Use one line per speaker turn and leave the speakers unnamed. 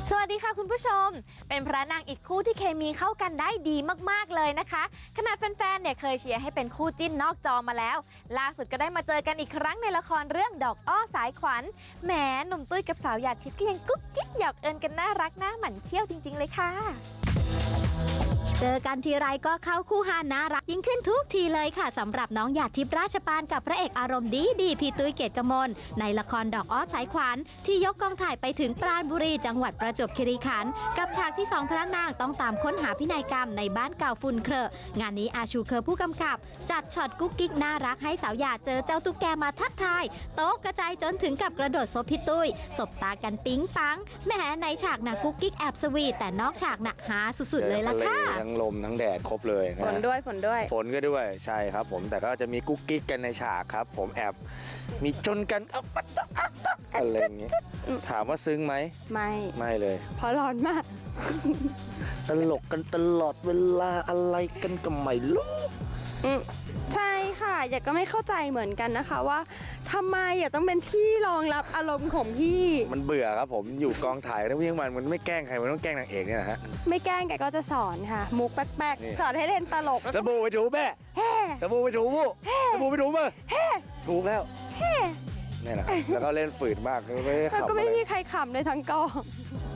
สวัสดีค่ะคุณผู้ชมเป็นพระนางอีกคู่ที่เคมีเข้ากันได้ดีมากๆเลยนะคะขณะแฟนๆเนี่ยเคยเชียร์ให้เป็นคู่จิ้นนอกจอมาแล้วล่าสุดก็ได้มาเจอกันอีกครั้งในละครเรื่องดอกอ้อสายขวัญแหมหนุ่มตุ้ยกับสาวหยาดทิพย์ก็ยังกุ๊กกิ๊กหยอกเอิญกันน่ารักน่าหมั่นเขี้ยวจริงๆเลยค่ะ
เจอกันทีไรก็เข้าคู่ฮาน่ารักยิ่งขึ้นทุกทีเลยค่ะสำหรับน้องหยาดทิพย์ราชปานกับพระเอกอารมณ์ดีพี่ตุ้ยเกียรติกมลในละครดอกอ้อสายขวัญที่ยกกองถ่ายไปถึงปราณบุรีจังหวัดประจวบคีรีขันธ์กับฉากที่สองพระนางต้องตามค้นหาพินัยกรรมในบ้านเก่าฝุ่นเครอะงานนี้อาชูเคอผู้กำกับจัดช็อตกุ๊กกิ๊กน่ารักให้สาวหยาดเจอเจ้าตุ๊กแกมาทักทายโต๊ะกระจายจนถึงกับกระโดดซบพี่ตุ้ยสบตากันปิ๊งปังแหมในฉากน่ะกุ๊กกิ๊กแอบสวีทแต่นอกฉากน่ะหาสุดๆเลยล่ะค่ะ
ทั้งลมทั้งแดดครบเลยนะ
ฝนด้วย
ฝนก็ด้วยใช่ครับผมแต่ก็จะมีกุ๊กกิ๊กกันในฉากครับผมแอบมีจนกันอะไรอย่างเงี้ยถามว่าซึ้งไหมไม่เลย
เพราะร้อนมาก
ตลกกันตลอดเวลาอะไรกันก็ไม่รู้
ใช่ค่ะอยากก็ไม่เข้าใจเหมือนกันนะคะว่าทำไมอยากต้องเป็นที่รองรับอารมณ์ของพี่
มันเบื่อครับผมอยู่กองถ่ายทั้งวี่ทั้งวันมันไม่แกล้งใครมันต้องแกล้งนางเอกเนี่ยนะฮะ
ไม่แกล้งแกก็จะสอนค่ะมุกแป๊กๆสอนให้เล่นตลก
จะบูไปถูแม่จะบูไปถูบูจะบูไปถูมาถูกแล้วนี่แหละแล้วก็เล่นฝืดมาก
แล้วก็ไม่มีใครขำเลยทั้งกอง